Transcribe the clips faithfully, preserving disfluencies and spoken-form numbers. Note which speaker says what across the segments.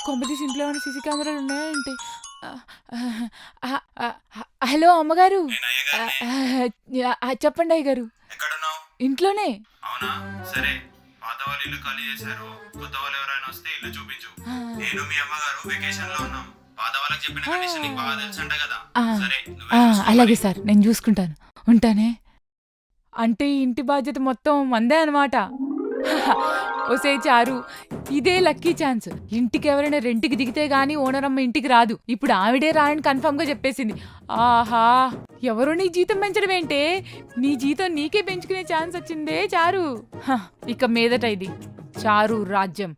Speaker 1: కొంపతీసి ఇంట్లో ఏమైనా సీసీ కెమెరాలు ఉన్నాయా ఏంటి? హలో అమ్మగారు, చెప్పండి అయ్యగారు. ఇంట్లోనే.
Speaker 2: అవునా, సరే. పాత వాళ్ళు ఇల్లు ఖాళీ చేశారు, కొత్త వాళ్ళు ఎవరైనా వస్తే ఇల్లు చూపించు. నేను మీ అమ్మగారు వెకేషన్ లో ఉన్నాం. పాత వాళ్ళకి చెప్పిన కండిషన్ నీకు బాగా తెలుసంట కదా. సరే,
Speaker 1: అలాగే సార్, నేను చూసుకుంటాను. ఉంటానే. అంటే ఇంటి బాధ్యత మొత్తం మందే అనమాట. ఓసే చారు, ఇదే లక్కీ ఛాన్స్. ఇంటికి ఎవరైనా రెంట్కి దిగితే గానీ ఓనర్ అమ్మ ఇంటికి రాదు. ఇప్పుడు ఆవిడే రాయని కన్ఫర్మ్ గా చెప్పేసింది. ఆహా, ఎవరో నీ జీతం పెంచడం ఏంటే, నీ జీతం నీకే పెంచుకునే ఛాన్స్ వచ్చిందే చారు. ఇక మీదట ఇది చారు రాజ్యం.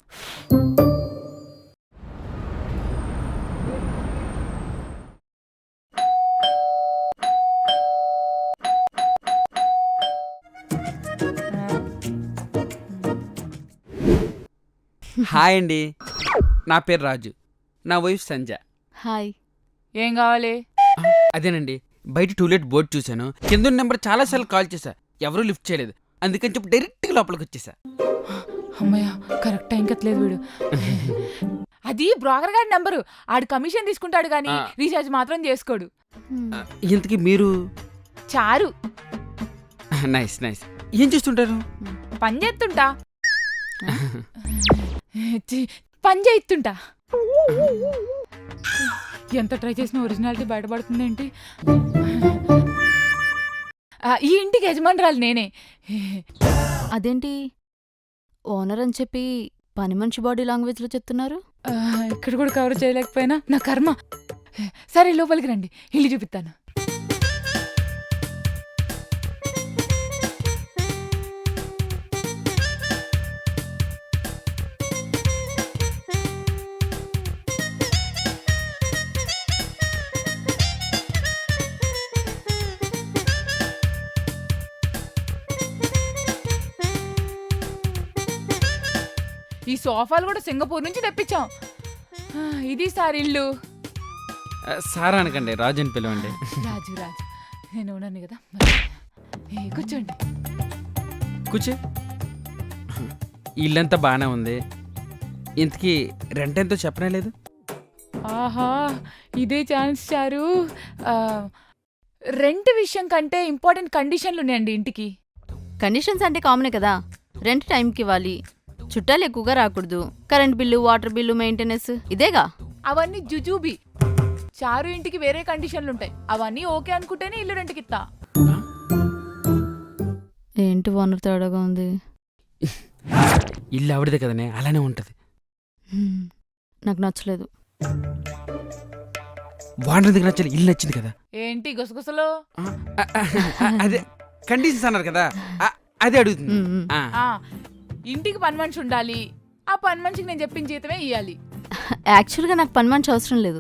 Speaker 3: హాయ్ అండి, నా పేరు రాజు, నా వైఫ్ సంజ.
Speaker 1: హాయ్, ఏం కావాలి?
Speaker 3: అదేనండి, బయట టూలెట్ బోర్డు చూశాను, కింద నెంబర్ చాలా సార్లు కాల్ చేశా, ఎవరూ లిఫ్ట్ చేయలేదు. అందుకని చెప్పి డైరెక్ట్గా లోపలికి వచ్చేసా.
Speaker 1: అమ్మయ్య, కరెక్ట్ టైం కట్టలేదు వీడు. అది బ్రోకర్ గారి నెంబరు. ఆడు కమిషన్ తీసుకుంటాడు కానీ రీఛార్జ్ మాత్రం చేసుకోడు.
Speaker 3: ఇంతకీ మీరు?
Speaker 1: చారు.
Speaker 3: Nice nice. ఏం చేస్తుంటారు?
Speaker 1: పని చేస్తుంటా. పని చేయిస్తుంటా. ఎంత ట్రై చేసినా ఒరిజినాలిటీ బయటపడుతుంది ఏంటి? ఈ ఇంటికి యజమానురాలు నేనే.
Speaker 4: అదేంటి ఓనర్ అని చెప్పి పని మనిషి బాడీ లాంగ్వేజ్లో చెప్తున్నారు?
Speaker 1: ఇక్కడ కూడా కవర్ చేయలేకపోయినా నా కర్మ. సరే లోపలికి రండి, ఇల్లు చూపిస్తాను. ఈ సోఫాలు కూడా సింగపూర్ నుంచి తెప్పించాం. ఇది సార్ ఇల్లు.
Speaker 3: సారా అనకండి, రాజు అని పిలవండి.
Speaker 1: రాజు రాజు, నేను ఉన్నాను కదా. కూర్చోండి.
Speaker 3: కూర్చో. ఇల్లంతా బాగానే ఉంది. ఇంతకీ రెంట్ ఎంతో చెప్పనే లేదు?
Speaker 1: ఆహా, ఇదే ఛాన్స్ చారు. రెంట్ విషయం కంటే ఇంపార్టెంట్ కండిషన్లు ఉన్నాయండి ఇంటికి.
Speaker 4: కండిషన్స్ అంటే కామనే కదా. రెంట్ టైంకి ఇవ్వాలి, చుట్టాలు ఎక్కువగా రాకూడదు, current bill, water bill, maintenance, ఇదేగా.
Speaker 1: అవన్నీ జుజూబీ. చారు ఇంటికి వేరే కండిషన్లు ఉంటాయి. అవన్నీ ఓకే అనుకుంటేనే ఇల్లు రెంట్కి ఇస్తా.
Speaker 4: ఏంటి ఓనర్ తేడాగా ఉంది?
Speaker 3: ఇల్లు ఆవిడదే కదనే, అలానే ఉంటది.
Speaker 4: నాకు నచ్చలేదు.
Speaker 3: వాటర్ దగ్గర నచ్చాలి, ఇల్లు నచ్చింది కదా.
Speaker 1: ఏంటి గుసగుసలో?
Speaker 3: అదే కండిషన్స్ అన్నారు కదా, అదే అడుగుతుంది.
Speaker 1: ఇంటికి పని మనిషి ఉండాలి. ఆ పని మనిషికి నేను చెప్పిన జీతమే ఇవ్వాలి.
Speaker 4: యాక్చువల్గా నాకు పని మనిషి అవసరం లేదు.